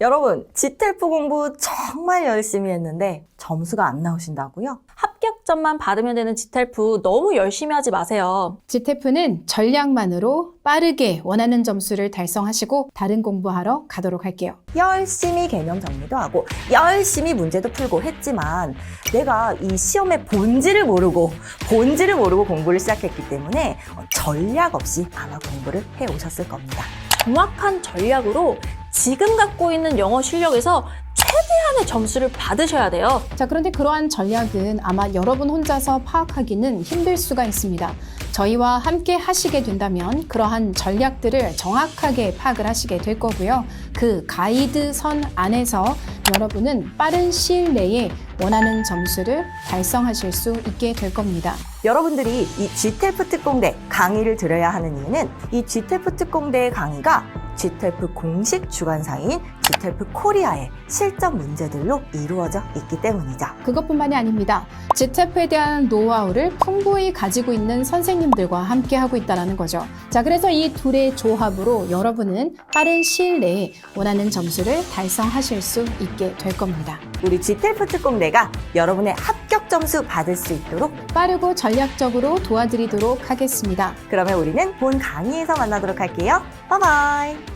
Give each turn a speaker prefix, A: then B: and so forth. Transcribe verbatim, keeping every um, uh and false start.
A: 여러분, 지텔프 공부 정말 열심히 했는데 점수가 안 나오신다고요?
B: 합격점만 받으면 되는 지텔프 너무 열심히 하지 마세요.
C: 지텔프는 전략만으로 빠르게 원하는 점수를 달성하시고 다른 공부하러 가도록 할게요.
A: 열심히 개념 정리도 하고 열심히 문제도 풀고 했지만 내가 이 시험의 본질을 모르고 본질을 모르고 공부를 시작했기 때문에 전략 없이 아마 공부를 해오셨을 겁니다.
B: 정확한 전략으로 지금 갖고 있는 영어 실력에서 최대한의 점수를 받으셔야 돼요.
C: 자, 그런데 그러한 전략은 아마 여러분 혼자서 파악하기는 힘들 수가 있습니다. 저희와 함께 하시게 된다면 그러한 전략들을 정확하게 파악을 하시게 될 거고요. 그 가이드선 안에서 여러분은 빠른 시일 내에 원하는 점수를 달성하실 수 있게 될 겁니다.
A: 여러분들이 이 지텔프 특공대 강의를 들어야 하는 이유는 이 지텔프 특공대의 강의가 지텔프 공식 주관사인 지텔프 코리아의 실전 문제들로 이루어져 있기 때문이죠.
C: 그것뿐만이 아닙니다. 지텔프에 대한 노하우를 풍부히 가지고 있는 선생님들과 함께 하고 있다는 거죠. 자, 그래서 이 둘의 조합으로 여러분은 빠른 시일 내에 원하는 점수를 달성하실 수 있게 될 겁니다.
A: 우리 지텔프 특공대가 여러분의 합격 점수 받을 수 있도록
C: 빠르고 전략적으로 도와드리도록 하겠습니다.
A: 그러면 우리는 본 강의에서 만나도록 할게요. 바이바이.